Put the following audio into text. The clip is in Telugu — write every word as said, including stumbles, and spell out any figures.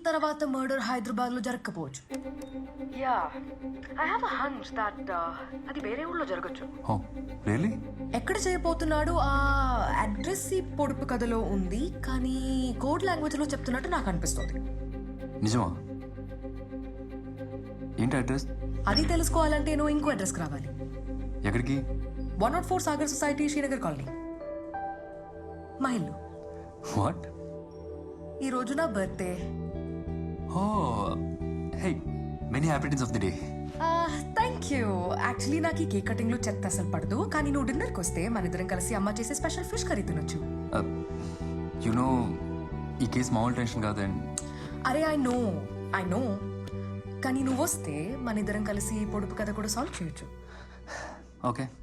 తర్వాత మర్డర్ హైదరాబాద్ లో జరగకపోవచ్చు. Yeah I have a hunch that అది వేరే ఊళ్ళో జరగచ్చు. Oh really? ఎక్కడ చేయబోతున్నాడు ఆ అడ్రస్ ఈ పొడుపు కథలో ఉంది, కానీ కోడ్ లాంగ్వేజ్ లో చెప్తున్నట్టు నాకు అనిపిస్తుంది. నిజమా? ఏంటి అడ్రస్? అది తెలుసుకోవాలంటే నువ్వు ఇంకో అడ్రస్కి రావాలి. ఎక్కడికి? One not four Sagar society, Srinagar colony, మా ఇల్లు. వాట్? ఈ రోజు నా birthday. Oh hey, many happy returns of the day. Thank you. Actually నాకు ఈ కేక్ కటింగ్ లో చెత్త అసలు పడదు, కానీ నువ్వు డిన్నర్కి వస్తే మన ఇద్దరం కలిసి అమ్మ చేసే స్పెషల్ ఫిష్ కర్రీ తినొచ్చు. యు నో, ఈ కేసు మామూలు టెన్షన్ కాదండి. అరే ఐ నో ఐ నో కానీ నువ్వు వస్తే మన ఇద్దరం కలిసి ఈ పొడుపు కథ కూడా సాల్వ్ చేయొచ్చు. ఓకే.